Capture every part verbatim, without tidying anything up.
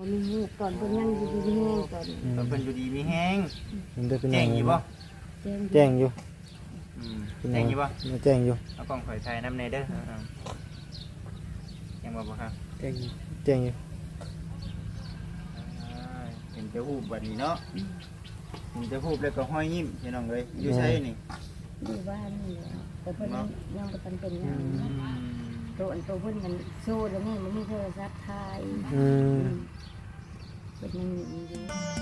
มีหูตอนเพิ่นยังอยู่ดีแห้งตอนตอนเพิ่นอยู่ดีมีแห้งมันได้เป็นแจ้งอยู่บ่แจ้งแจ้งอยู่อืมแจ้งอยู่บ่แจ้งอยู่เอากล้องข่อยถ่ายน้ำในเด้อเอาๆแจ้งบ่บ่ครับแจ้งอยู่แจ้งอยู่อ่าเห็นจะฮูบบัดนี้เนาะเห็นจะฮูบแล้วก็ห้อยยิ้มพี่น้องเอ้ยอยู่ไสนี่อยู่บ้านนี่แหละแต่เพิ่นยังยังบ่ทันเป็นหยังอืมตัวอันตัวเพิ่นมันโซ่แล้วนี่มันมีโทรศัพท์ถ่ายอืมเพิ่นยังอยู่อยู่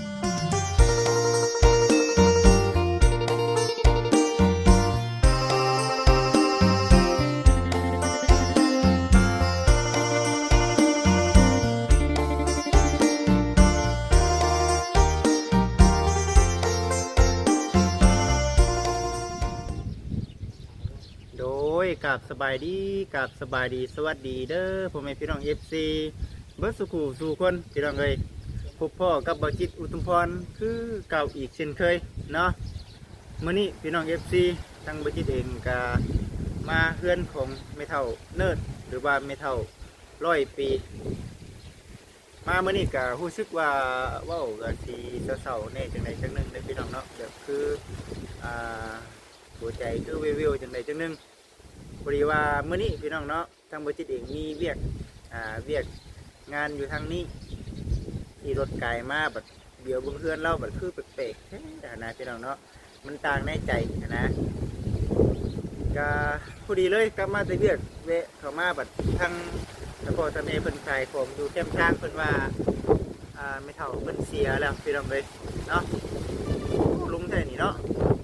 โดยกับสบายดีกับสบายดีสวัสดีเด้อพ่อแม่พี่น้อง เอฟ ซี เบิร์ดสุขุสู่คนพี่น้องเอ้ยพบพ่อกับบ่าวจิตอุทุมพรคือเก่าอีกเช่นเคยเนาะมื้อนี้พี่น้อง เอฟ ซี ทั้งบ่าวจิตเองก็มาเฮือนของแม่เฒ่าเนิร์ดหรือว่าแม่เฒ่าร้อยปี มามื้อนี้ก็รู้สึกว่าเว้าก็สิเศร้าๆแน่จังไดจังหนึงเด้อพี่น้องเนาะแบบคืออ่าหัวใจคือวิวๆจังไดจังหนึงพอดีว่ามื้อนี้พี่น้องเนาะทางบ่าวจิตเองมีเวียกอ่าเวียกงานอยู่ทางนี้ที่รถไกลมาแบบเดี๋ยวเบิ่งเพื่อนเล่าแบบคือแปลกๆแท้นะพี่น้องเนาะมันต่างในใจนะก็พอดีเลยกลับมาแต่เวียกเวะเข้ามาแบบทางตะโกตะเมเพิ่นขายของอยู่แคมป์ช้างเพิ่นว่าอ่าไม่เท่าเพิ่นเสียแล้วพี่น้องเลยเนาะลุงใช่นี่เนาะ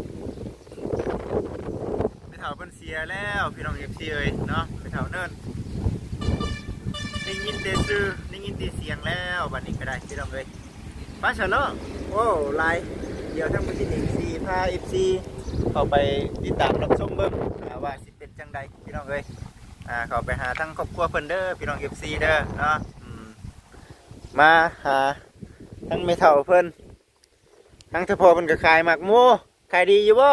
ไม่เท่าเพิ่นเสียแล้วพี่น้องเอฟซีเอ้ยเนาะไม่เท่าเนิ่นได้ยินแต่ชื่อได้ยินแต่เสียงแล้วบัดนี้ก็ได้พี่น้องเลยป้าเฉลิมโอ้ไลน์เดี๋ยวทั้งหมดที่เอ็กซีพาเอฟซีเข้าไปติดตามรับชมเบิ่งว่าสิเป็นจังใดพี่น้องเลยอ่าเข้าไปหาทั้งครอบครัวเพิ่นเด้อพี่น้องเอฟซีเด้อเนาะอืมมาหาทั้งแม่เฒ่าเพิ่นทั้งเฉพาะเพิ่นก็ขายหมากหมูขายดีอยู่บ่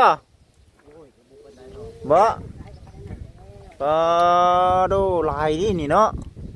บ่ก็ดูลายนี่นี่เนาะ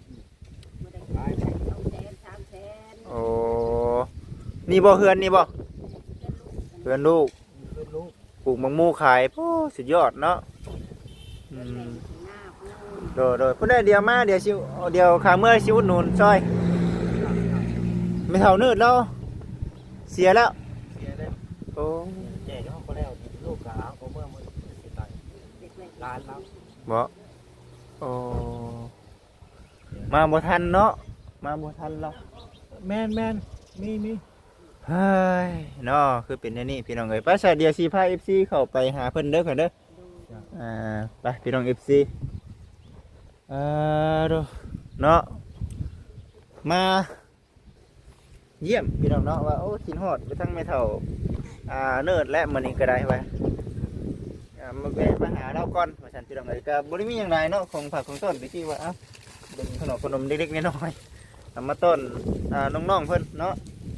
โอ้นี่บ่เฮือนนี่บ่เฮือนลูกปลูกมังมูขายโอ้สุดยอดเนาะอืมโดยโดยพุ่นได้เดียวมาเดี๋ยวชิวเดี๋ยวขาเมื่อชิวหนุนซอยไม่เท่านืดแล้วเสียแล้วโอ้แจ้งเขาก็แล้วลูกกะเอาเมื่อมื้อสิตายร้านแล้วบ่โอ้มาบ่ทันเนาะมาบ่ทันแล้วแม่นแม่นมีมีเฮ้ยเนาะคือเป็นอย่างนี้พี่น้องเอ้ยไป้าชาเดียวซีพาเอฟซีเข้าไปหาเพิ่นเด้อค่ะเด้ออ่าไปพี่น้องเอฟซีเอ่อดูเนาะมาเยี่ยมพี่น้องเนาะว่าโอ้กินฮอดไปทั้งไม่เท่าอ่าเนิร์ดและมื้อนี้ก็ได้ไว้อ่ามาแวะมาหาเราก่อนว่าซั่นพี่น้องเอ้ยก็บ่ได้มีหยังหลายเนาะของผักของต้นไปที่ว่าเอ้าเป็นขนมขนมเล็กๆน้อยๆเอามาต้นอ่าน้องๆเพิ่นเนาะ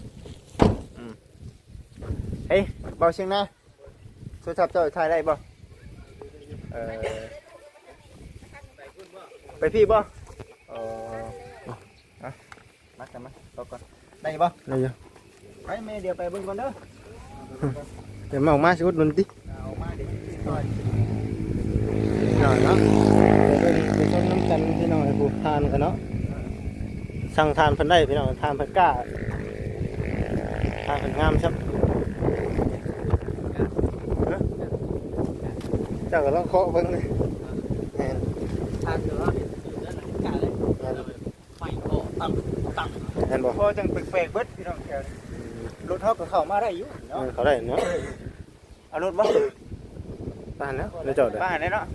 เฮ้ยเบาเชียงนะโทรศัพท์เจ้าถ่ายได้บ่เออไปพี่บ่เออเอามากันมาต่อก่อนได้บ่ได้อยู่ไปแม่เดี๋ยวไปเบิ่งก่อนเด้อเดี๋ยวมาออกมาสิอุดหนุนติเอามาเดี๋ยวต่อยหน่อยเนาะเดี๋ยวไปไปชมน้ำกันพี่น้องให้ผู้ทานกันเนาะสั่งทานเพิ่นได้พี่น้องทานเพิ่นกล้าทานเพิ่นงามครับเจ้าก็ต้องเคาะเบิ่งเลยแม่นทางเด้อกะเลยไฟโตตั้งตั้งแม่นบ่พอจังแปลกๆเบิดพี่น้องแถวนี้รถเฮาก็เข้ามาได้อยู่เอเนาะอเขาได้เนาะเอารถบ่บ้านแล้วได้จอดเลยบ้านได้เนาะ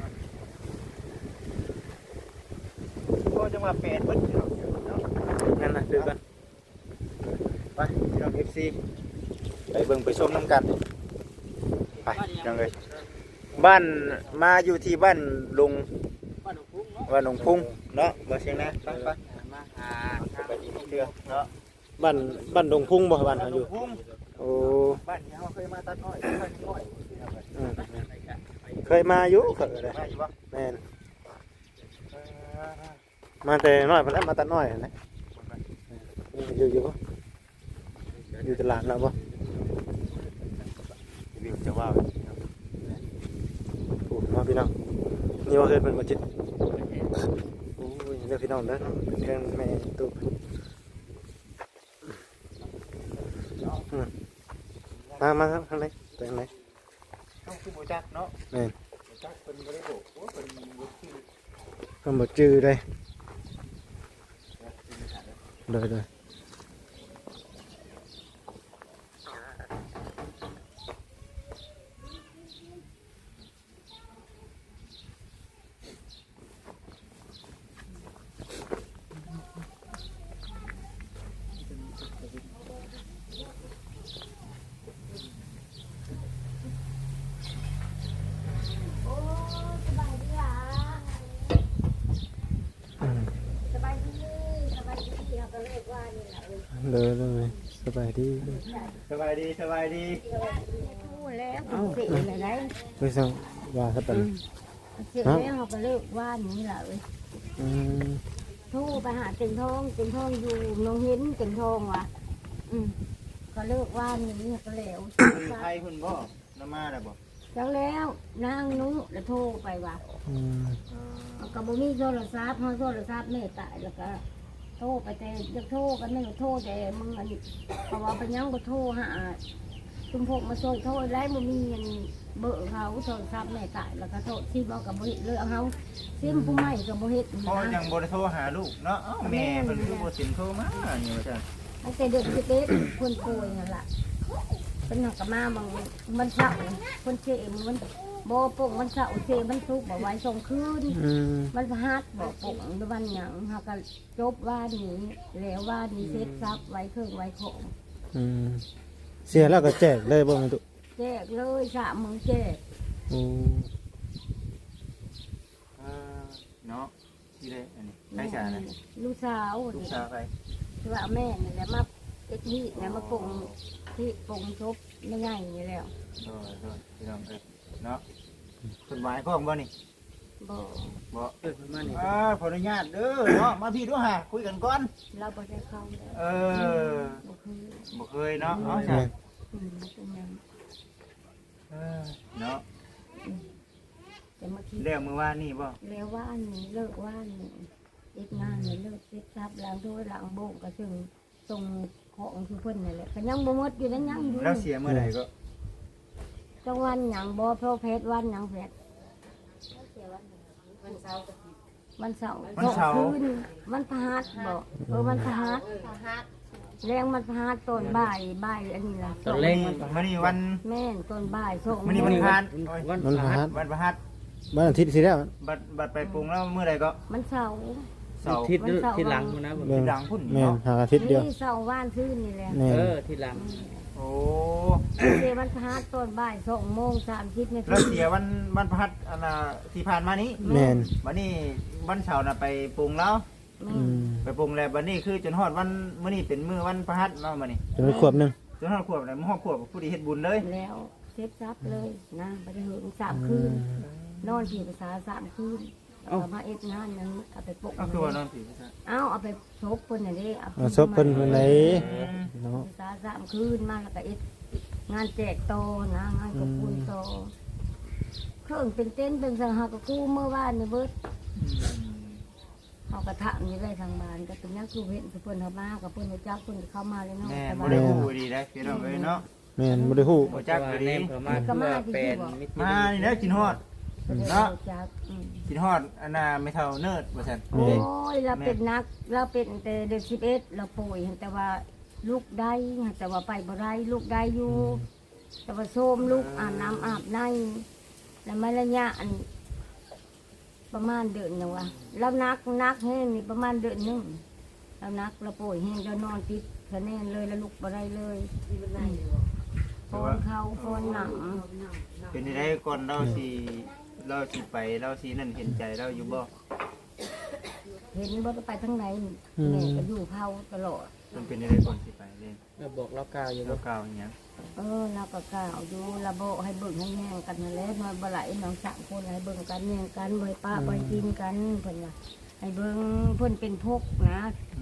พอจังว่าแปลกเบิดพี่น้องเนาะงั้นนะซื้อกันไปพี่น้องเอฟซีไปเบิ่งไปชมน้ำกันไปพี่น้องเลยบ้านมาอยู่ที่บ้านลุงบ้านหลวงพุ่งเนาะบ่เชียงนะไปไปมาหาไปดีเชื่อเนาะบ้านบ้านดงพุ่งบ่บ้านเขาอยู่พุ่งโอ้บ้านที่เขาเคยมาตัดอ้อยตัดอ้อยอืมเคยมาอยู่เคยเลยมาอยู่บ่แม่นมาแต่น้อยเพิ่นแล้วมาแต่น้อยนะมีอยู่อยู่บ่อยู่ตลาดแล้วบ่วิวจะว่าโอ้มาพี่น้องนี่ว่าเฮ็ดเพิ่นบ่จิตโอ้ยเด้อพี่น้องเด้อเป็นเรื่องแม่ตุ๊อืมมามาครับข้างในไปข้างในต้องคือบ่จักเนาะแม่นบ่จักเพิ่นบ่ได้บอกว่าเพิ่นบ่ชื่อเพิ่นบ่จื้อเลยเด้อเด้อโอ้สบายดีอ่ะอืมสบายดีสบายดีเขาก็เลิกว่านี่แหละเออเด้อเด้อสบายดีสบายดีสบายดีพูดแล้วเป็นเสียอะไรได้ไปสั่งว่าซะเป็นเสียแล้วเขาก็เลิกว่านี่แหละเอออืมโทรไปหาเต็งทองเต็งทองอยู่น้องเห็นเต็งทองว่ะอืมก็เลิกว่านี่ก็แล้วไทยเพิ่นบ่นำมาได้บ่จังแล้วนางนุ้แล้วโทรไปว่าอืมเอาก็บ่มีโทรศัพท์เฮาโทรศัพท์แม่ตายแล้วก็โทรไปแต่จะโทรกันไม่โทรแต่มึงอันนี้เพราะว่าไปยังบ่โทรหาจุมพกมาส่งโทรไล่บ่มีอันเบอร์เขาโทรศัพท์แม่ตายแล้วก็โทรที่บอกกับบ่เฮ็ดเลยเอาเฮาซิมผู้ใหม่ก็บ่เฮ็ดพ่อยันะงบ่ได้โทรหาลูกเนาะเอ้าแม่เพิ่นคือบ่สินโทรมานี่ว่าซั่นตั้งแต่เด็กสิบเอ็ดคนป่วยนั่นล่ะเป็นหนักกับมาบางมันเศร้าคนเชมมันบ่ปงมันเศร้าเชมันทุกข์บ่ไหวส่งคืนอืมมันพหัดบอกปกด้วยวันหยังเฮาก็จบว่านี้แล้วว่านี้เซ็ตซับไว้เครื่องไว้ของอืมเสียแล้วก็แจกเลยบ่แม่ตุแจกเลยสามมึงแจกโอ้เออเนาะที่ได้อันนี้ใครจ้านะลูกสาวลูกนี่สาวไปคือว่าแม่นี่แหละมาเอ็ดนี่นะมาปงที่ปงชบไม่ง่ายนี่แล้วโดยโดยพี่น้องเอ้ยเนาะเพิ่นหมายพร้อมบ่นี่บ่บ่เอ้ยเพิ่นมานี่อ่าขออนุญาตเด้อเนาะมาพี่ดูหาคุยกันก่อนเราบ่ได้เข้าแล้วเออบ่คือบ่เคยเนาะเอาจ้ะอืมมันเป็นหยังเออเนาะแต่เมื่อกี้เรื่องมื้อวานนี่บ่แล้วว่าอันนี้เลิกว่าอันนี้เอ็ดงานนี่เลิกเซ็ตซับล้างถ้วยล้างโบกก็ซึ่งส่งของคือเพิ่นนั่นแหละก็ยังบ่หมดอยู่นั่นยังอยู่แล้วเสียเมื่อใดก็จังวันหยังบ่เพราะเพชรวันหยังเพชรวันเสาร์วันเสาร์คืนวันพฤหัสบ่เออวันพฤหัสแรงมันพฤหัสต้นบ่ายบ่ายอันนี้ล่ะตอนเร่งมื้อนี้วันแม่นต้นบ่ายส่งมื้อนี้วันพานโอ้ยวันมันพพฤหัหัสสวันพฤหัสวันอาทิตย์สิแล้วบัดบัดไปปรุงแล้วมื้อใดก็มันเสาร์เสาร์ทิศทิศหลังนะผมแม่นหลังพุ่นแม่นเนาะหาอาทิตย์เดียวนี่เสาร์ว่านคืนนี่แหละแม่เอน อทิศหลังโอ้เดวันพฤหัสต้นบ่ายสองโมงสามสิบนาทีแล้วเสียวันวันพฤหัสอันน่ะที่ผ่านมานี้แม่นวันนี้วันเสาร์น่ะไปปรุงแล้วแม่อืนมไปปรุงแล้ววันนี้คือจนฮอดวันมื้อนี้เป็นมื้อวันพฤหัสเนาะมื้อนี้จะไปขวบหนึงจนฮอดขวบเลยมื้อฮอดขวบผู้ดีเฮ็ดบุญเลยแล้วเซ็ตซับเลยนะไปได้ถึงสามคืน นอนที่ภาษาสามคืนเอามาเอ็ดงานนั้นเอาไปปกก็คือว่านอนผีซะเอาเอาไปชกคนอย่างนี้เอาเอาศพเพิ่นเพิ่นไหนเนาะภาษาสามคืนมาแล้วก็เอ็ดงานแจกโตนะงานกบคุญโตเครื่องเป็นเต้นเป็นสังหากกู้เมื่อวานนี่เบิดเขากระทะนี่ได้ทางบ้านก็เป็นนักคือเห็นเพื่อนเขามากับเพื่อนเขาจักเพื่อนเข้ามาเลยเนาะแม่แต่บ่ว่าได้ฮู้ดีได้พี่น้องเอ้ยเนาะแม่นบ่ได้ฮู้บ่จักว่าดีแนมเขามาเพื่อเป็นมิตรมานี่นะกินฮอดเพิ่นเนาะเขาจักอืมกินฮอดอันน่ะไม่เท่าเนิร์ดว่าซั่นโอ้ยเราเป็นนักเราเป็นแต่เด็กสิบเอ็ดเราป่วยแต่ว่าลูกได้แต่ว่าไปบ่ได้ลูกได้อยู่ แต่ว่าโซมลูกอาบน้ำอาบในแล้วมาระยะอันประมาณเดือนหนึงวะแล้วนักนักแห้งนี่ประมาณเดือนหนึงแล้วนักเราป่วยแห้งเรานอนติดคะแนนเลยแล้วลูกบ่ได้เลยฟอนเขาฟอนหนังเป็นได้ก่อนเราสิเราสิไปเราสินั่นเห็นใจเราอยู่บ่เห็นว่าไปทั้งไหนแม่ก็อยู่เผาตลอดมันเป็นได้ก่อนสิไปเล่นเราบอกเรากล่าวอยู่เราว่ากล่าวอย่างเงี้ยเออเราก็กล่าวอยู่ระโบให้เบิ่งให้แย่งกันนั่นแหละนอนบ่ไหลน้องสามคนให้เบิ่งกันแย่งกันบ่ให้ป้าบ่ให้กินกันเพิ่นว่าให้เบิ่งเพิ่นเป็นพกนะอืมไข่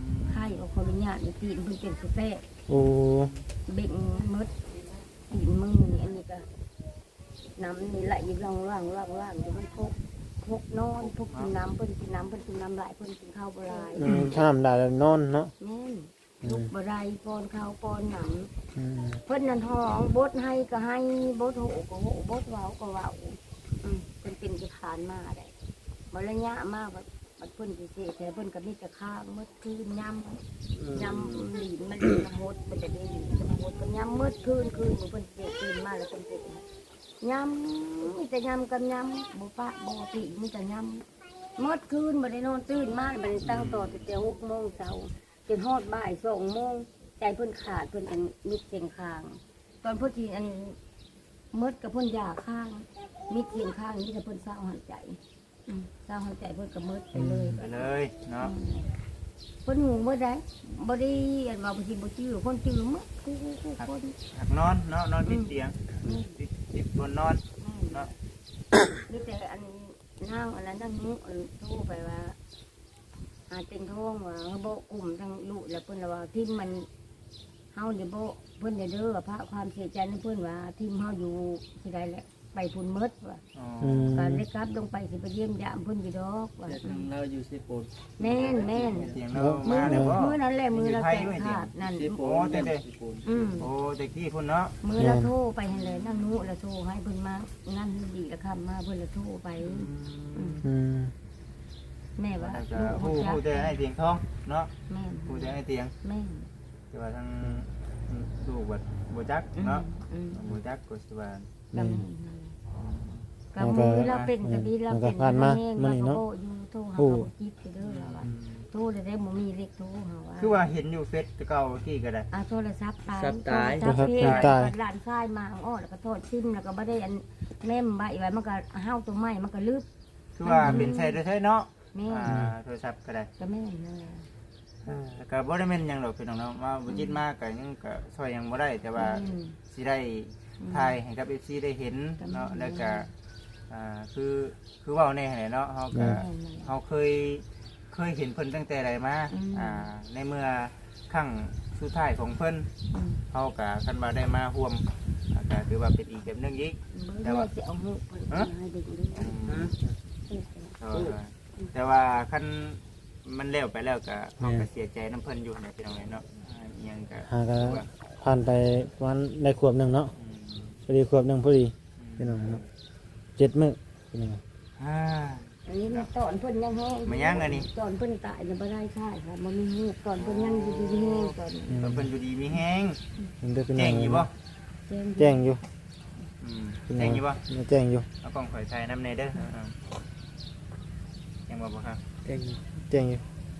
ข่เอาขออนุญาตตีนเพิ่นเป็นสเตะโอ้เบ่งมดตีนมือนี่อันนี้ก็น้ำนี่ไหลอยู่ล่างล่างล่างล่างอยู่มันพกพกนอนพกกินน้ำเพิ่นกินน้ำเพิ่นกินน้ำไหลเพิ่นกินข้าวบ่หลายอืมถ้าน้ำได้แล้วนอนเนาะแม่นลูกบ่ได้ป้อนข้าวป้อนหนังอืมเพิ่นนั่นห้องบดให้ก็ให้บดโหก็โหบดเว้าก็เว้าอืมเพิ่นเป็นสิผ่านมาได้บ่ระยะมาบัดบัดเพิ่นสิเสแต่เพิ่นก็มีแต่ข้างมดคืนยำยำหลีนมันหลีนหดมันจะได้หลีนจะหดก็ยำมดคืนคืนเพิ่นเสคืนมาแล้วเพิ่นเสยำมีแต่ยำกับยำบ่ปะบ่ติมีแต่ยำมดคืนบ่ได้นอนตื่นมาบ่ได้ตั้งต่อตั้งแต่หกโมงเช้าจนฮอดบ่ายสองโมงใจเพิ่นขาดเพิ่นอันมิดเสียงคาง ตอนเพิ่นที่อันมดกับเพิ่นยาข้างมิดเสียงข้างนี่แต่เพิ่นเศร้าหันใจอืมเศร้าหันใจเพิ่นก็มดไปเลยไปเลยเนาะเพิ่นหูบ่ได้บ่ได้อันว่าบ่สิบ่จื้อคนจื้อหมดคือคือคนหักนอนเนาะนอนติดเตียงติดติดบนนอนเนาะนี่แต่อันนั่งอันนั้นนั่งนู้อันโทรไปว่าหาเต็งท้องว่าโบกลุ่มทั้งลูกแล้วเพิ่นว่าที่มันเฮานี่บ่เพิ่นได้เด้อพระความเสียใจในเพิ่นว่าที่เฮาอยู่ที่ใดแหละไปพุ่นหมดว่าอ๋ออืมการเล็กครับลงไปสิไปเยี่ยมยามเพิ่นอยู่ดอกว่าแต่ทางเราอยู่สิโปนแม่นแม่นเตียงเรามืมาอแล้วบ่มือนั้นแหละมือเราแตกขาดนั่นสิโปโอ้นเด้เด้สิโปนอืมโอ้แต่กี้พุ่นเนาะมือเราโทรไปให้เลยนั่นนู้เราโทรให้เพิ่นมานั่นดีละคำมาเพิ่นเราโทรไปอืมอืมแม่ว่าแล้วก็ลูกผู้จักผู้แต่ให้เตียงทองเนาะแม่นผู้แต่ให้เตียงแม่นแต่ว่าทางลูกบัดบ่จักอืมเนาะอืมบ่จักก็สิว่าก็แม่นกับมือเราเป็นก็ดีเราเป็นเราก็โบอยู่โทรหาเขาคิดเด้อเราว่าโทรได้ได้บ่มีเลขโทรเฮาว่าคือว่าเห็นอยู่เฟซแต่เก่าที่ก็ได้อ่าโทรศัพท์ตายซับตายโทรศัพท์เพลงหลานชายมาอ้อแล้วก็โทษซิมแล้วก็บ่ได้อันแม่มใบไว้มันก็เฮาตัวใหม่มันก็ลึกคือว่าเป็นใช้ได้ใช้เนาะแม่อ่าโทรศัพท์ก็ได้ก็แม่นั่นแหละแต่ก็บ่ได้แม่นหยังหรอกพี่น้องเนาะมาบ่จิตมากก็ยังก็ช่วยหยังบ่ได้แต่ว่าสิได้ถ่ายให้กับ เอฟ ซี ได้เห็นเนาะแล้วก็อ่าคือคือเว้าแน่แหละเนาะเฮาก็เฮาเคยเคยเห็นเพิ่นตั้งแต่ใดมาอ่าในเมื่อครั้งสุดท้ายของเพิ่นเฮาก็คันว่าได้มาร่วมอ่าก็ถือว่าเป็นอีกแบบหนึงอีกแต่ว่าจะเอาหูเพิ่นให้เด็กดูเออแต่ว่าคันมันแล้วไปแล้วก็เฮาก็เสียใจน้ำเพิ่นอยู่นะพี่น้องเนาะอ่าอิหยังก็หาก็ผ่านไปวันในขวบหนึงเนาะอืมพอดีขวบหนึงพอดีพี่น้องเนาะเจ็ดมื้อพี่น้องอ่าอันนี้มันตอนเพิ่นยังแห้งมายังอันนี้ตอนเพิ่นตายจะบ่ได้ใช่ค่ะมันมีหูตอนเพิ่นยังอยู่ดีแห้งตอนเพิ่นเพิ่นอยู่ดีมีแฮงมันได้พี่น้แจ้องงอยู่บ่แจ้งอยู่อืมพี่น้แจ้งอยู่บ่แจ้งอยู่เอากล้องข่อยถ่ายน้ำในเด้อเอาๆแจ้งบ่บ่ครับเก่งแจ้งอยู่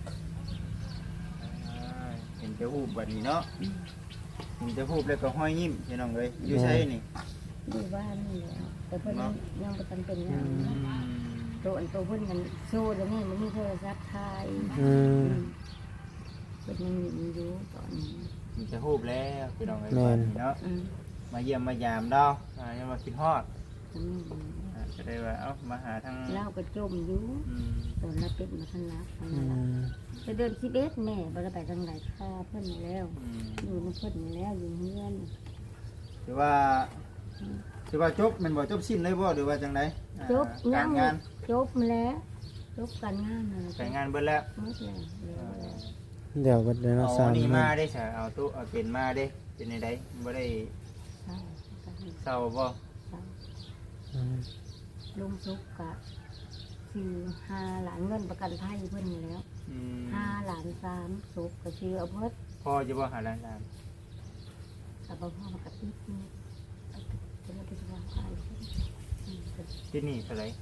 อ่าเห็นจะฮูบบัดนี้เนาะเห็นจะฮูบแล้วก็ห้อยยิ้มพี่น้องเอ้ยอยู่ไสนี่อยู่บ้านนี่แหละแต่เพิ่นยังยังบ่ทันเป็นหยังอืมตัวอันตัวเพิ่นมันโซ่แล้วนี่มันมีโทรศัพท์ถ่ายอืมเพิ่นยังอยู่ตอนนี้เห็นจะฮูบแล้วพี่น้องเอ้ยแม่นบัดนี้เนาะอืมมาเยี่ยมมายามดาวอ่ายังมากินฮอดอืมอ่าจะได้ว่าเอ้ามาหาทางเล่าก็จมอยู่อืมตอนนั้นเป็นมาทันรักทันอืรักมจะเดินสิบเอ็ดแม่บ่ได้ไปทางไหนค่าเพิ่นแล้วอืมอยู่ในเพิ่นแล้วอยู่เฮือนถือว่าถือว่าจบแมันบ่จบสิ้นเลยบ่หรือว่าจังไดอ่าจบกายัรง งานจบมาแล้วจบการงานเลยการงานเบิดแล้วหมดแล้วแล้วแล้วเดี๋ยวก็เดี๋ยวเราเอาสร้างนี่มาได้ใช่เอาตู้เอาเป็นมาได้เป็นในใดบ่ได้ใช่ใช่เศร้าบ่ใช่อืมลุงสุกกะชื่อห้าหลานเงินประกันไทยเพิ่นนี่แล้วอืมห้าหลานสามสุกก็ชื่อเอาเพิ่นพ่อจะบ่หาล้านล้านกับพ่อมากระติบนี่จะได้ไปสบายใจอืมก็ที่นี่เท่าไหร่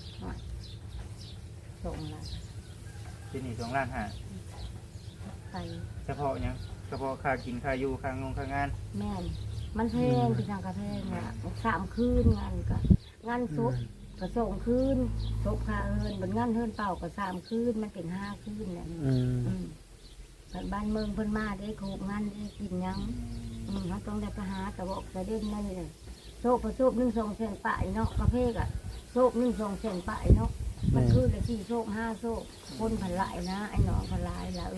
ส่งละที่นี่สองล้านห้าไปเฉพาะหยังเฉพาะค่ากินค่าอยู่ค่างงค่างานแม่นมันแพงเป็นทางกระแพงเนี่ยสามคืนงานก็งานศพก็ส่งคืนศพคาเฮินบนงานเฮินเป่าก็สามคืนมันเป็นห้าคืนแหละอืมอืมแต่บ้านเมืองเพิ่นมาได้โคกงานได้กินหยังอืมเขาต้องได้ไปหาแต่บอกแต่เด่นนั่นเลยโซบประโซบหนึ่งสองเส้นป่ายเนาะประเภทอะโซบหนึ่งสองเส้นป่ายเนาะมันคือละสี่โซบห้าโซบคนผันหลายนะไอ้หนองผันหลายละเออ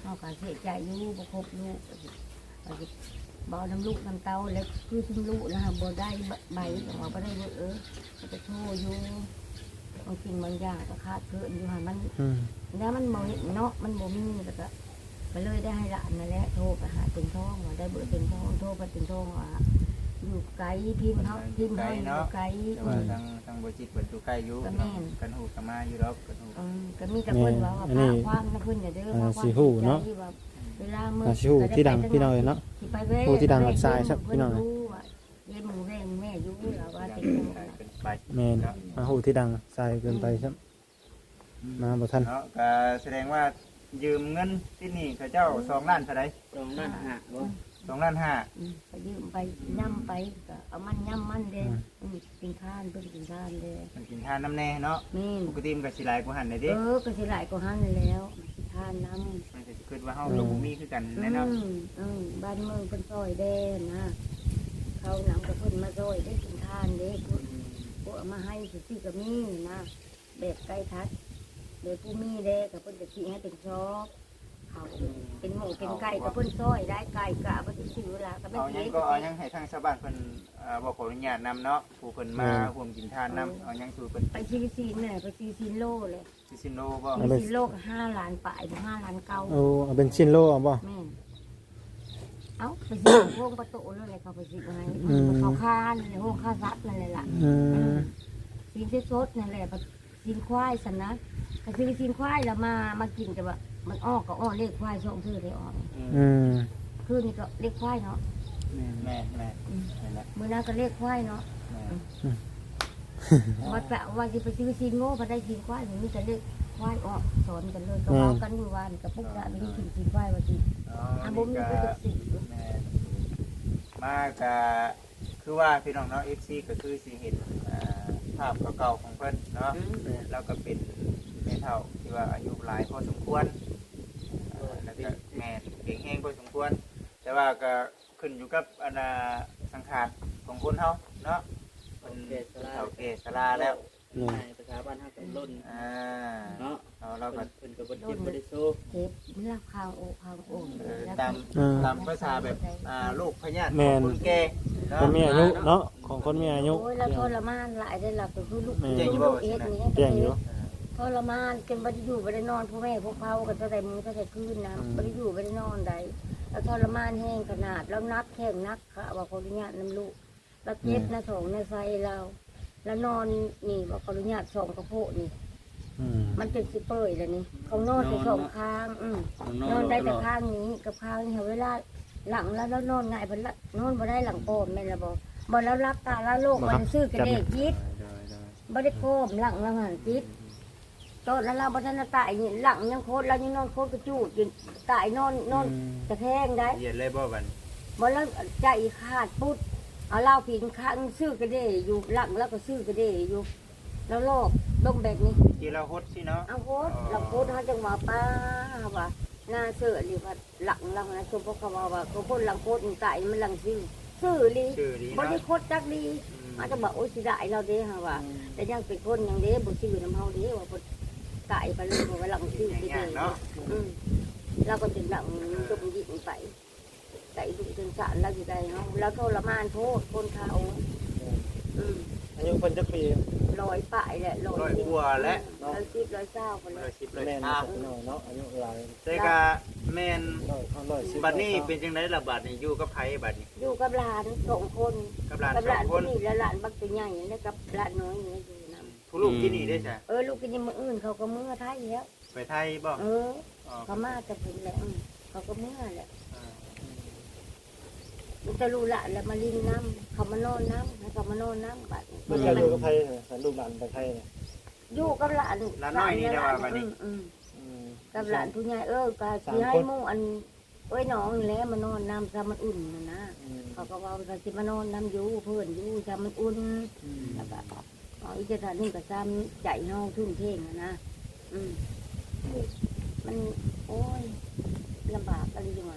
เฮาก็เสียใจอยู่บ่ครบลูกว่าสิบ่น้ำลูกน้ำเต้าแล้วคือซุมลูกนะฮะบ่ได้ใบก็ว่าบ่ได้เบอเออก็จะโทรอยู่บางสิ่งบางอย่างก็ขาดเกินอยู่หั่นมันอืมแล้วมันบ่เห็นเนาะมันบ่มีแล้วก็ก็เลยได้ให้หลานนั่นแหละโทรไปหาเป็นท้องว่าได้เบอร์เป็นท้องโทรไปเป็นท้องว่าอยู่ไกลพิมพ์เฮาพิมพ์เฮาอยู่ไกลแต่อืว่าม ทางทางบ่จิตเปิดอยู่ใกล้อยู่ก็แม่นกันฮู้กันมาอยู่ดอกกันฮู้อืมก็มีแต่เพิ่นว่าว่าพาความนะเพิ่นอย่าเด้อพาความใจว่าเวลามื้ออาชิฮูที่ดังพี่น้อยเนาะสิไปเว้ยผู้ที่ดังรับสายครับพี่น้องเพิ่รู้ว่าเย็นมือแม่แม่อยู่แล้วว่าเป็นจังได๋เป็นไปแม่นมาฮู้ที่ดังสายเกินไปครับมาบ่ทันเนาะก็แสดงว่ายืมเงินที่นี่เขาเจ้าสองล้านเท่าไหร่ตรงนั้นหะบ่สองล้านห้าอืมไปยืมไปย่ำไปก็เอามันย่ำมันเด้อืมกินข้านเพิ่นกินข้านเด้มันกินทานน้ำแน่เนาะแม่นปกติมันก็สิหลายกว่าหันได้เอเดิอก็สิหลายกว่าหันแล้วกินข้านน้ำมันก็สิคิดว่าเฮาลูกบ่มีคือกันอืแน่เนาะมอืมบ้านเมืองเพิ่นซอยเด้นะเขานำกับเพิ่นมาซอยได้กินข้านเด้พวกพวกเอามาให้สิก็มีนะแบบไก่ทัดเดี๋ยวผู้มีเด้กับเพิ่นจะสิให้เป็นซอกเขาเป็นหมูเป็นไก่กับเพิ่นซอยได้ไก่กะบ่สิซื้อเวลาก็ไม่เอาหยัเฮ็งดก็เอาหยังให้ทางชาวบ้านเพิ่นเอ่อบ่ขออนุญาตนำเนาะผู้เพิ่นมาร่วมกินทานนำเอาหยังสู่เพิ่นไปซีซีนเนี่ยไปซีซีนโลเลยซิซิโนบ่ซีซีนโลก็ห้าล้านปลายถึงห้าล้านเก้าเอาเอาเป็นชิ้นโลเอาบ่แม่นเอ้าไปซีโค้งประตูแล้วเลยเขาไปซีไว้เขาคานในห้องข้าซัดนั่นเลยล่ะอืมซีนที่สดนั่นแหละซีนควายสันนะก็คือซีนควายแล้วมามากินแต่ว่ามันออกก็ออกเลขควายช่องชื่อได้ออกอืมคือนี่ก็เลขควายเนาะแม่แม่นั่นแหละมือนั้นก็เลขควายเนาะแม่ว่าจะว่าจะไปซื้อซีนโง่มาได้ซีนควายอย่างนี้จะเลขควายออกสอนกันเลยก็ว่ากันอยู่วันกับพวกเราไม่ได้กินซีนควายว่าจีอ๋ออานี่บุ้มนี่ก็ก็จะสีแม่มาก็คือว่าพี่น้องเนาะ เอฟ ซี ก็คือสิเห็นอ่าภาพเก่าๆของเพิ่นเนาะแล้วก็เป็นแม่เฒ่าที่ว่าอายุหลายพอสมควรเอ่อแล้วก็แม่เก่งแฮงพอสมควร แต่ว่าก็ขึ้นอยู่กับอนาสังขารของคนเฮาเนาะเป็นเฒ่าแก่ชราแล้วในประชาบ้านเฮาก็ล้นอ่าเนาะเอาเราก็เพิ่นก็บ่กินบ่ได้สู้เจ็บเลือกคางโอคางโอ่งเอ่อตามตามภาษาแบบอ่าลูกพญาติขแม่องนคนแก่เนาะคนมีอายุเนาะของคนมีอายุโอ้ยแล้วทรมานหลายได้หลับไปคือลูกแม่ลูกเอ็ดนี้แจ้งอยู่ทรมานจนไม่ได้อยู่ไม่ได้นอนพ่อแม่พวกเขากันตั้งแต่มือตั้งแต่คืนนะไม่ได้อยู่ไม่ได้นอนใดแล้วทรมานแห้งขนาดแล้วนักแข่งนักค่ะว่าขออนุญาตน้ำลูกแล้วเจ็บนะสองนะไซเราแล้วนอนนี่ว่าขออนุญาตสองกระโพกนี่อืมมันเป็นสิเปอร์เลยนี่เขานอนแต่สองข้างอืมนอนได้แต่ข้างนี้กับข้างนี้เวลาหลังแล้วแล้วนอนง่ายบนละนอนบ่ได้หลังโปมแม่นละบอกบ่แล้วรับตาแล้วโลกมันซื้อกระเดกยิดบ่ได้โกมหลังแล้วหันจิตตอนนั้นเราบ่ทันตายนี่หลังยังโคตรแล้วยังนอนโคตรกระจูดอยู่ตายนอนนอนกระแทงได้เหยียดเลยบ่บัดบ่แล้วใจขาดปุ๊ดเอาเหล้าผิงข้างซื้อกระเดอยู่หลังแล้วก็ซื้อกระเดอยู่แล้วโลกลงแบบนี้ที่เราฮดสิเนาะเอาโคตรเราโคตรเขาจังหวะป้าว่าหน้าเสือหรือว่าหลังเรานะชมพวกเขาว่าว่าเขาพ่นหลังโคตรตายมันหลังซื้อซื้อลีชื่อดีบ่เนาะได้โคตรจักดีอาจจะบอกโอ้ยสิได้เราเด้ฮะว่าแต่ยังเป็นคนยังเด้บ่ซื้อน้ำเฮาเด้ว่าบ่ตายไปเลยว่าหลังซื้อไปอย่างเด้เนาะอืมเราก็จะหลังจมยิงไปไก่ดุจนสารเราอยู่ได้เนาะแล้วทรมานโทษคนเขาอืมอายุเพิ่นจักปีลอยป่ายแหละลอยร้อยกว่าแล้วร้อยสิบร้อยเศร้าคนร้เลอยยสิบร้อยแม่นห้าเนาะเนาะอายุหลายแต่ก็แม่นร้อยร้อยสิบบัดนี้เป็นจังไดล่ะบัดนี้อยู่กับไผบัดนี้อยู่กับหลานสองคนกับหลานกับสหอลาง นคคนนนี้และหลานบักตัวใหญ่แล้วกับหลานน้อยนี่อยู่นผู้ลูกที่นี่ได้จ้ะำเออลูกกินยังมืออื่นเขาก็เมื่อไทยแล้วไปไทยบ่เอออ๋อเขามาจะเป็นแล้วอืมเขาก็เมื่อแหละอ่ามันจะรู้ละแล้วมาลินน้ำเขามานอนน้ำให้เขามานอนน้ำบัดเพิ่นก็อยู่กับไผเนี่ยลูกหลานไปไผเนี่ยอยู่กับหลานหลานน้อยนี่ได้ว่าบัดนี้อืมอืมกับหลานผู้ใหญ่เออก็สิให้หมู่อันเอ้ยน้องนี่แหละมานอนน้ำซะมันอุ่นนะนะอืมเขาก็ว่าเขาสิมานอนน้ำอยู่เพื่อนอยู่ซะมันอุ่นอืมแล้วก็เอาอีกจะทานนี่ก็ซ้ำใจเฮาทุ่มเทงอะนะอืมมันโอ้ยลำบากอะไรจังวะ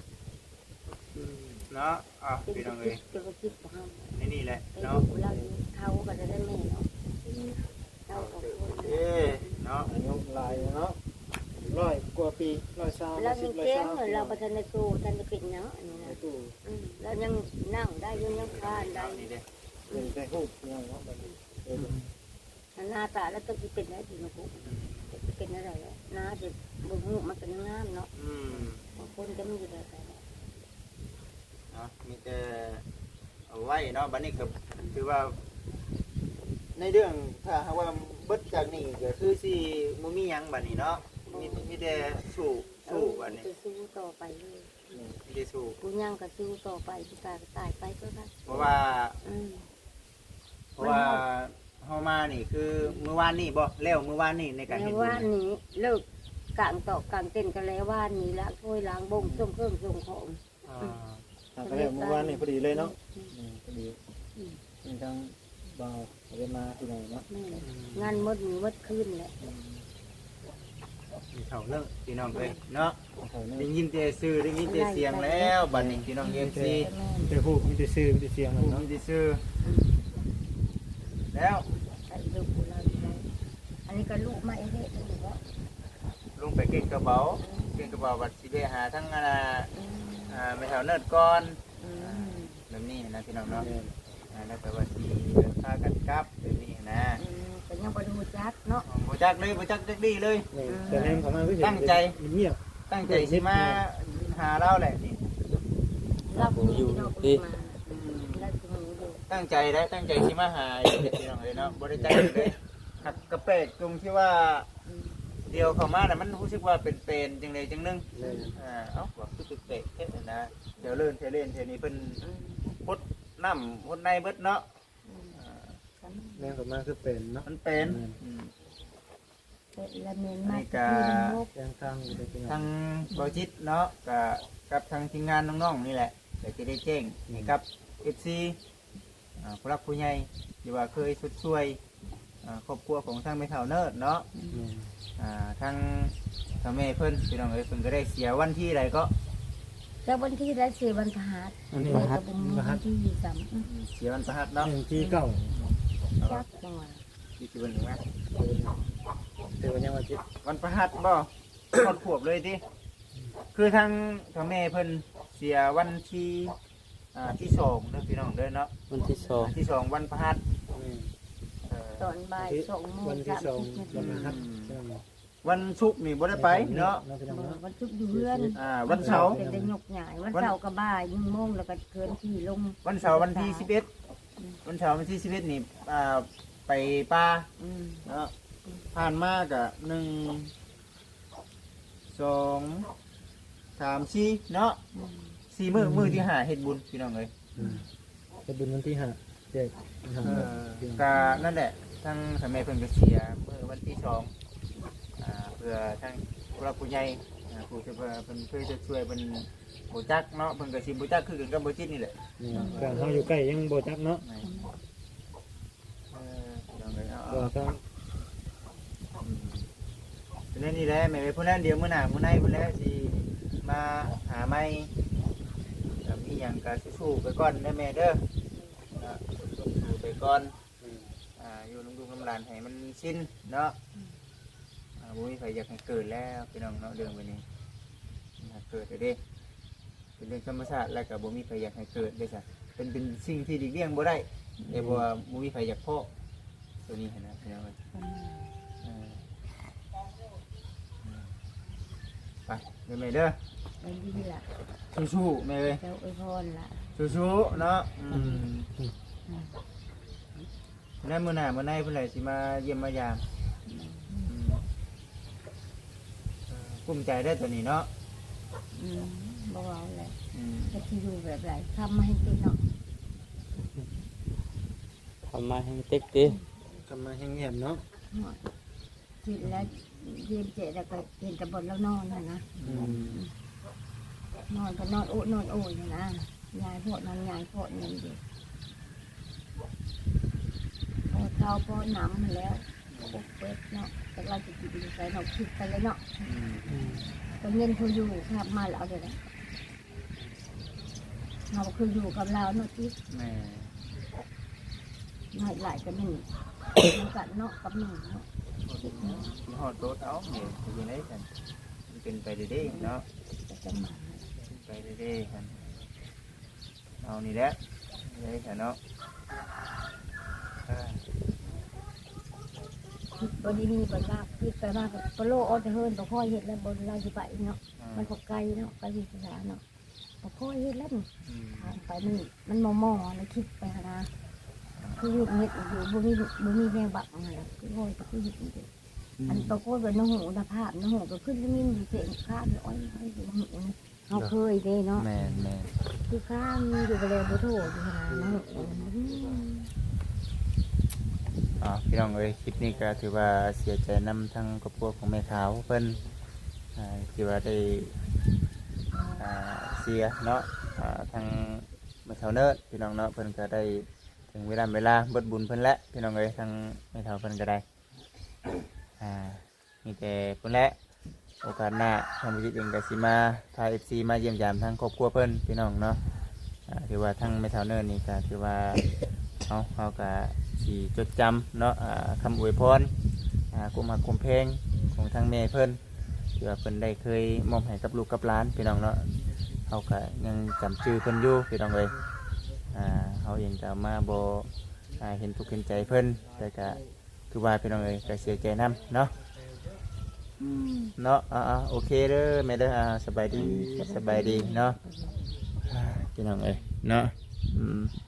เนาะอ่ะเป็นพี่กน้ระองคิเอ้ดยเป็นกระคิดของเฮาในนี่แหละไปเนาะดูเราอยู่เท่าก็จะได้แม่เนาะเท่าของคนเอ้เนาะอายุหลายเนาะอร้อยกว่าปีร้อยสามเราสิยับงร้อยเก่งสามเราประทานในตู้ท่านจะเป็นเนาะอันนี้นะตู้อืมเรายังนั่งได้ยังยังคานได้นี่เด้เป็นได้ฮู้ยังเนาะบัดนี้เออหน้าตาแล้วต้องเป็นได้ดีนะพวกจะเป็นอะไรแล้วหน้าจะบุ้งมันเป็นงามเนาะอืมบางคนก็มีอยู่แล้วแต่เนาะมีแต่เอาไว้เนาะบัดนี้ก็คือว่า ในเรื่องถ้าหากว่าเบิดจากนี้ก็คือสิบ่มีหยังบัดนี้เนาะมีมีแต่สู้สู้บัดนี้จะสู้ต่อไปเลยมีแต่สู้กูย่างก็สู้ต่อไปพี่ตายก็ตายไปก็ได้เพราะว่าอืมเพราะว่าเฮามานี่คือมื้อวานนี่บ่แล้วมื้อวานนี่ในการแล้เฮ็ดวบุว่าญนี้เลิกกลางต่อกลางเต้นกันแล้วว่านี้ละถ้วยล้างบ่งส่งเครื่องส่งของอ่าทางก็แล้วเมื่อวานนี่พอดีเลยเนาะอืมพอดีมีทั้งบ่าวเอาไปมาที่ไหนเนาะแม่งานมดมือมดคืนแหละมีเขาเลิกพี่น้องเอ้ยเนาะเขาได้เนี่ยยินแต่ชื่อได้ยินแต่เสียงแล้วบัดนี้พี่น้อง เอ็ม ซีแม่มีแต่ฮู้มีแต่ชื่อมีแต่เสียงผู้เนาะมีแต่ชื่อแล้วใส่ลูกเราอยู่แล้วอันนี้ก็ลูกมาเองเนี่ยถือว่าลงไปเก็บกระเป๋าเก็บกระเป๋าบัดสิไปหาทั้งอันน่ะอืมอ่าไม่เท่าเนิร์ดก่อนอืมแบบนี้นะพี่น้องเนาะแม่นอ่าแล้วแต่ว่าสิเดินพากันกลับแบบนี้นะอืมแต่ยังบ่ได้รู้จักเนาะบ่จักเลยบ่จักจักดีเลยนี่แต่แนมเขามาคือเห็นตั้งใจเงียบตั้งใจสิมาหาเราแหละนี่รับอยู่เราก็มาอืมแล้วสิมาอยู่ตั้งใจได้ตั้งใจสิมาหาอยู่พี่น้องเลยเนาะบ่ได้จักเลยหักกระเปกตรงที่ว่าอืมเดียวเข้ามาน่ะมันรู้สึกว่าเป็นเป็นจังไดจังนึงเลยอ่าเอ้าว่าคือเป็นเปกแค่นั้นนะเดี๋ยวเลื่อนเทเล่นเทนี้เพิ่นอืมพดน้ำพดในเบิดเนาะอืมอ่าแนมเขามาคือเป็นเนาะมันเป็นอืมเป็นละเมนมากนี่ก็แจ้งทางอยู่ในที่ทานั่นงบริจิตเนาะกับกับทางทีมงานน้องๆนี่แหละเดี๋ยวจะได้แจ้งนี่ครับ เอฟ ซี อ่าผู้รักผู้ใหญ่ที่ว่าเคยสุดช่วยอ่าครอบครัวของทางเมทัลเนิร์ดเนาะแม่นอ่าทางทางแม่เพิ่นพี่น้องเอ้ยเพิ่นก็ได้เสียวันที่ใดก็แต่วันที่ได้สี่วันพฤหัสอันนี้แม่ฮัก็ดบ่มีมาฮัวัดนที่ยี่สิบสามอืมเสียวันพฤหัสเนาะหนึ่งที่เก้าจักจังหวะที่สิบวันถึงไหมเดี๋ยวยังว่าจิตวันพฤหัสบ่ ครอบขวบเลยติคือทางทางแม่เพิ่นเสียวันที่อ่าที่สองเด้อพี่น้องเด้อเนาะวันที่สองที่สองวันพฤหัสแม่นเอ่อตอนบ่ายสองโมงวันที่สองสามสิบวันนาฮัดทีใช่ไหมวันศุกร์นี่บ่ได้ไปเนาะพี่น้องบ่เนาะวันศุกร์อยู่เรือนอ่าวันเสาร์เป็นได้ยกใหญ่วันเสาร์ก็บ่ายยิ่งโมงแล้วก็เกินที่ลงวันเสาร์วันที่สิบเอ็ดวันเสาร์วันที่สิบเอ็ดนี่อ่าไปป่าอืมเนาะผ่านมากอะหนึ่งสองสามสี่เนาะอืมสี่มือมือที่หาเฮ็ดบุญพี่น้องเลยอืมจะบุญวันที่ห้าเจ็ดห้าเอพี่อน้องกานั่นแหละทั้งสมัยเพิ่นก็เสียมือวันที่สองอ่าเพื่อทั้งผู้รักผู้ใหญ่อ่าผู้ที่เพิ่นเพิ่นเคยจะช่วยเพิ่นบ่จักเนาะเพิ่นก็สิบ่จักคือกันกับบ่จิตนี่แหละนี่การเขาอยู่ใกล้ยังโบจักเนาะเออพี่น้องเลยเอาก็เอาต้องฉะนั้นนี่แหละแม่ไปพูดนั้นเดียวมื้อหน้ามื้อในพุ่นแล้วสิมาหาไม้ก็มีหยังก็สู้ๆไปก่อนเด้อแม่เด้ออ่าสู้ๆไปก่อนอ่าอยู่น้ำลูกน้ำหลานให้มันสิ้นเนาะอ่าบ่มีใครอยากให้เกิดแล้วพี่น้องเนาะเรื่องแบบนี้อยากเกิดเด้เป็นเรื่องธรรมชาติแล้วก็บ่มีใครอยากให้เกิดเด้ซะเป็นเป็นสิ่งที่หลีกเลี่ยงบ่ได้แต่บ่ว่าบ่มีใครอยากพอตัวนี้หั้นนะพี่น้องเอ้ย เออไปเดี๋ยวแม่เด้อเป็นดีล่ะสู้ๆแม่เลยเจ้าอวยพรล่ะสู้ๆเนาะอืมนั่นมื้อหน้ามื้อในเพิ่นเลยสิมาเยี่ยมมายามอืมเออภูมิใจได้อตัวนี้เนาะอืมบ่เอาแหละอืมจะที่อยู่แบบไรทำมาให้เป็นเนาะทำมาให้เต็กติทำมาแห้งเงียบเนาะกินแล้วเย็นเจแล้วก็เห็นแต่บนแล้วนอนน่ะนะอืมนอนก็นอนโอ้นอนโอ้ยนะยายพวกนั้นยายพวกนั้นอยู่พอเท้าพอหนำมาแล้วปกเป็ดเนาะแต่เราจะกินใส่เราคิดไปเลยเนาะอืมอืมก็เงินเขาอยู่ครับมาแล้วเดี๋ยวนะเราคืออยู่กับเราเนาะที่แม่หน่อยหลายกันหนึ่งกันเนาะกับหนึ่งเนาะสิฮอดโตดเอาเดี๋ยวสิอยู่ไหนกันเป็นไปเรื่อยๆเนาะจะมาเป็นไปเรื่อยๆกันเอานี่แหละเลยค่ะเนาะอ่าคิดบ่ดีๆบ่ลาบคิดไปมากก็ปโลออดเฮิร์นบ่ค่อยเฮ็ดแล้วบ่ลาสิไปเนาะมันก็ไกลเนาะไกลวิทยาเนาะบ่ค่อยเฮ็ดแล้วนี่อืมทางไปมันมันมอๆแล้วคิดไปหานะคือเฮ็ดเฮ็ดอยู่บ่มีบ่มีแนวบักนั่นแหละคือโอยก็คือเฮ็ดอยู่อันปรากฏว่าน้องหูนภาพน้องหูก็ขึ้นแล้วมีอยู่เสียงข้าอยู่อ้อยอ้อยอยู่หูนี่เฮาเคยเด้เนาะแม่นแม่นคือข้ามอยู่ไปเลยบ่โทษอยู่หาน้องหูอ๋อพี่น้องเอ้ยคลิปนี้ก็ถือว่าเสียใจนำทั้งครอบครัวของแม่ขาวเพิ่นอ่าที่ว่าได้อ่าเสียเนาะอ่าทางแม่เฒ่าเนิร์ดพี่น้องเนาะเพิ่นก็ได้ถึงเวลาเวลาเบิดบุญเพิ่นแล้วพี่น้องเอ้ยทางแม่เฒ่าเพิ่นก็ได้อ่ามีแต่เพิ่นแหละโอกาสหน้าทางบุจิตเองก็สิมาพา เอฟ ซี มาเยี่ยมยามทางครอบครัวเพิ่นพี่น้องเนาะอ่าถือว่าทางแม่เฒ่าเนิร์ดนี่ก็ถือว่าเอาเฮาก็สิจดจำเนาะอ่าคำอวยพรอ่ากุมหักกุมเพลงของทางแม่เพิ่นที่ว่าเพิ่นได้เคยมอบให้กับลูกกับหลานพี่น้องเนาะเฮาก็ยังจำชื่อเพิ่นอยู่พี่น้องเอ้ยอ่าเฮาเองก็มาบ่อ่าเห็นทุกข์เห็นใจเพิ่นแต่ก็คือว่าพี่น้องเอ้ยก็เสียใจนํเนาะเนาะอ่าๆโอเคเด้อแม่เด้ออ่าสบายดีสบายดีเนาะอ่าพี่น้องเอ้ยเนาะอืม